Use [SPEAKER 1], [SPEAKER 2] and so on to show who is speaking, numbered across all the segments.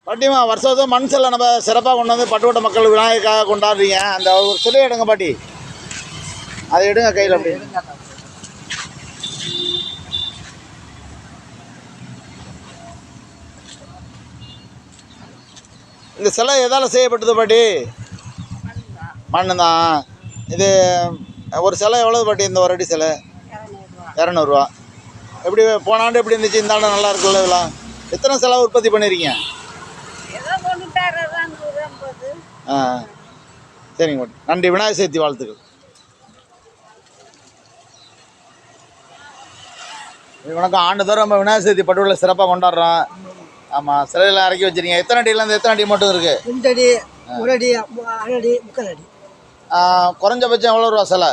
[SPEAKER 1] பாட்டிமா வருஷம் வருஷம் மண் சிலை நம்ம சிறப்பாக கொண்டு வந்து பட்டுக்கோட்டை மக்கள் விநாயகருக்காக கொண்டாடுறீங்க. அந்த ஒரு சிலையை எடுங்க பாட்டி, அதை எடுங்க கையில். அப்படி இந்த சிலை எதால் செய்யப்பட்டது பாட்டி? மண்ணு தான். இது ஒரு சிலை எவ்வளோ பாட்டி? இந்த ஒரு அடி சிலை 200 எப்படி போன ஆண்டு எப்படி இருந்துச்சு? இந்த ஆண்டு நல்லா இருக்குல்ல? இதெல்லாம் எத்தனை சிலை உற்பத்தி பண்ணியிருக்கீங்க? ஆ சரிங்க பாட்டி, நன்றி. விநாயகர் சதுர்த்தி வாழ்த்துக்கள். வணக்கம். ஆண்டுதோறும் நம்ம விநாயகர் சதுர்த்தி பட்டுள்ள சிறப்பாக கொண்டாடுறோம். ஆமாம், சிலையெல்லாம் இறக்கி வச்சுருக்கீங்க. எத்தனை அடியிலேருந்து எத்தனை அடி மட்டும் இருக்குது?
[SPEAKER 2] 2 அடி, 1 அடி, 1 அடி, 3/4 அடி.
[SPEAKER 1] குறைஞ்சபட்சம் எவ்வளோ ரூபா சிலை?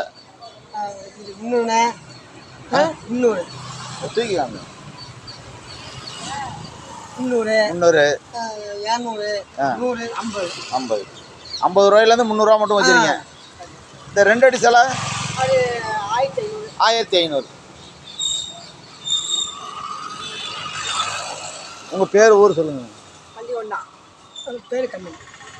[SPEAKER 2] 300
[SPEAKER 1] தூக்கிக்காங்க.
[SPEAKER 2] 300
[SPEAKER 1] 200
[SPEAKER 2] 200 100 50
[SPEAKER 1] 50 ரூபாயிலேருந்து 300 மட்டும் வச்சுருக்கீங்க. இந்த 2 அடி சிலை
[SPEAKER 2] அது
[SPEAKER 1] 1500. உங்கள் பேர் ஊர் சொல்லுங்கள்.
[SPEAKER 2] பள்ளிகொண்டா. பேர் கம்மி.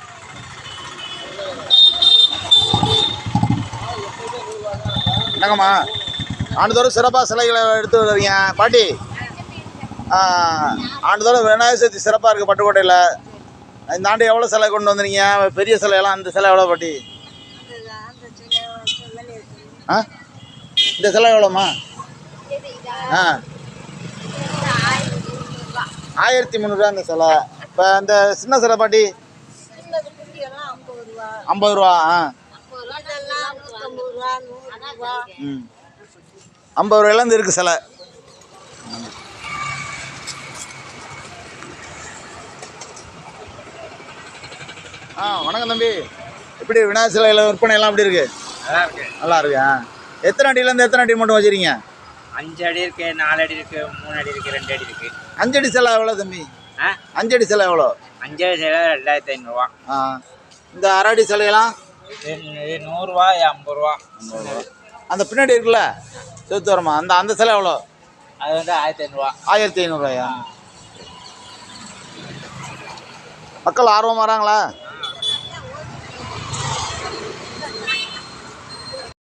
[SPEAKER 1] என்னங்கம்மா, ஆண்டுதோறும் சிறப்பாக சிலைகளை எடுத்து வருவீங்க பாட்டி? ஆண்டுதோறும் விநாயகர் சதுர்த்தி சிறப்பாக இருக்குது பட்டுக்கோட்டையில். இந்த ஆண்டு எவ்வளோ சிலை கொண்டு வந்துருங்க? பெரிய சிலையெல்லாம் அந்த சிலை எவ்வளோ பாட்டி? இந்த சிலை எவ்வளோம்மா? 1300 இந்த சிலை. இப்போ இந்த சின்ன சிலை பாட்டி 50 ரூபா. 50 ரூபாயிலேருந்து இருக்குது சிலை. வணக்கம் தம்பி. எப்படி விநாயகர் சிலையில் விற்பனையெல்லாம் எப்படி இருக்குது? நல்லா இருக்கு. எத்தனை அடியிலேருந்து எத்தனை அடி மட்டும் வச்சுருக்கீங்க?
[SPEAKER 3] 5 அடி இருக்குது, 4 அடி இருக்குது, 3 அடி இருக்குது, 2 அடி இருக்குது.
[SPEAKER 1] 5 அடி சிலை எவ்வளோ தம்பி? 5 அடி சிலை எவ்வளோ?
[SPEAKER 3] 5 அடி சிலை 2500.
[SPEAKER 1] இந்த 1/2 அடி சிலையெல்லாம்
[SPEAKER 3] 100 ரூபா, 50 ரூபா.
[SPEAKER 1] அந்த பின்னாடி இருக்குல்ல சேத்துவரமா, அந்த சிலை எவ்வளோ?
[SPEAKER 3] அது வந்து 1500.
[SPEAKER 1] 1500 ரூபாயா? மக்கள் ஆர்வமாக வராங்களா?